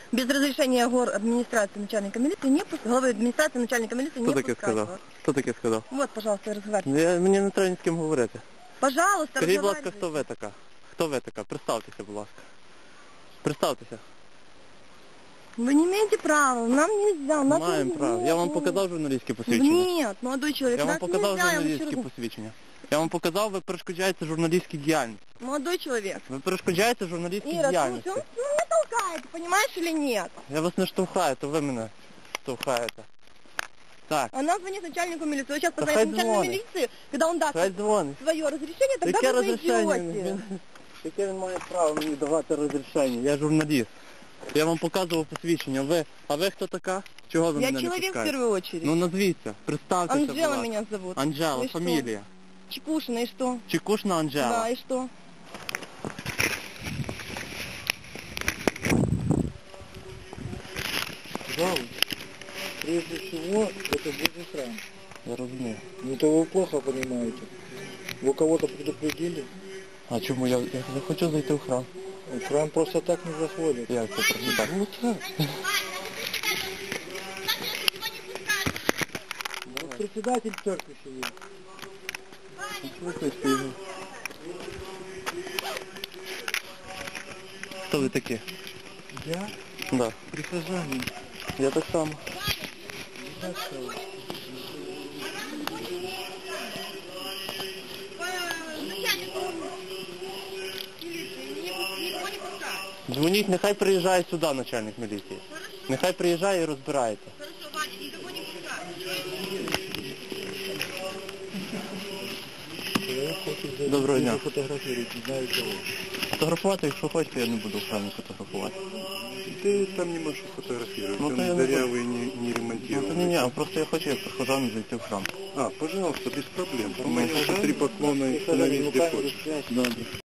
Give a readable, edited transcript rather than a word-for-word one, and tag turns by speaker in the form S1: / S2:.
S1: Без разрешения администрации начальника милиции не пускать. Главы администрации начальника милиции не пускать.
S2: Хто таке сказав?
S1: Вот, пожалуйста, разговаривайте.
S2: Мені не треба ні з ким говорити.
S1: Пожалуйста,
S2: Скажіть, будь ласка,
S1: разговаривайте.
S2: хто ви така? Хто ви така? Представтеся, будь ласка. Представтеся.
S1: Вы не имеете права, нам нельзя. Нас
S2: Маємо
S1: нельзя.
S2: право. Я вам показав журналістське посвідчення.
S1: Нет, молодой человек,
S2: Я вам
S1: нас
S2: показав
S1: нельзя, я вам
S2: журналістське
S1: еще раз-
S2: посвідчення. Я вам показав, ви перешкоджаєте журналістській діяльності.
S1: Молодой человек.
S2: Ви перешкоджаєте журналістській
S1: Ира,
S2: діяльності.
S1: слушай, он меня толкает, понимаешь или нет?
S2: Я вас не штовхаю, то ви мене штовхаєте. Так,
S1: Она звонит начальнику милиции. Вы сейчас
S2: Да
S1: позвоните
S2: хай
S1: начальнику
S2: звонит.
S1: милиции, когда он даст
S2: хай дзвонить.
S1: свое разрешение, тогда
S2: Яке
S1: вы
S2: розрішення?
S1: зайдете.
S2: Яке він має право мені давати розрішення? Я журналіст. Я вам показував посвідчення. А ви хто така? Чого ви
S1: Я
S2: мене не
S1: человек в
S2: пускаєте?
S1: первую очередь.
S2: Ну назвіться, представтеся, будь
S1: Анжела
S2: ласка.
S1: меня зовут.
S2: Анжела,
S1: И что?
S2: фамілія.
S1: Чекушина, и что?
S2: Чекушна Анжела.
S1: Да, и что?
S3: Пожалуйста. Прежде всего, это Божий храм.
S2: Я розумію.
S3: Ну, это вы плохо понимаете. Вы кого-то предупредили?
S2: А чому я хочу зайти в храм?
S3: В храм просто так не заходят.
S2: Як це просто так?
S3: Вот так. Вот председатель церкви сидит.
S2: Викличте його. Хто ви такі?
S3: Я
S2: Да.
S3: прихожанин.
S2: Я так само. Дзвоніть, нехай приїжджає сюди начальник міліції. Нехай приїжджає і розбирається.
S3: Человек хочет зайти.
S2: Доброго дня.
S3: Фотографировать, не знаю кого.
S2: Фотографувати, якщо хочете, я не буду в храмі фотографувати.
S4: Ты там не можешь фотографировать,
S2: Ну, то я
S4: он
S2: не
S4: дырявый, не
S2: Ну,
S4: ремонтированный.
S2: то ні, просто я хочу як прихожан зайти в храм.
S4: А, пожалуйста, без проблем. У
S3: Нормально.
S4: меня 3 поклона и
S3: Прихожанин,
S4: установить
S3: руками
S4: ты хочешь.
S3: распять.
S2: Добре.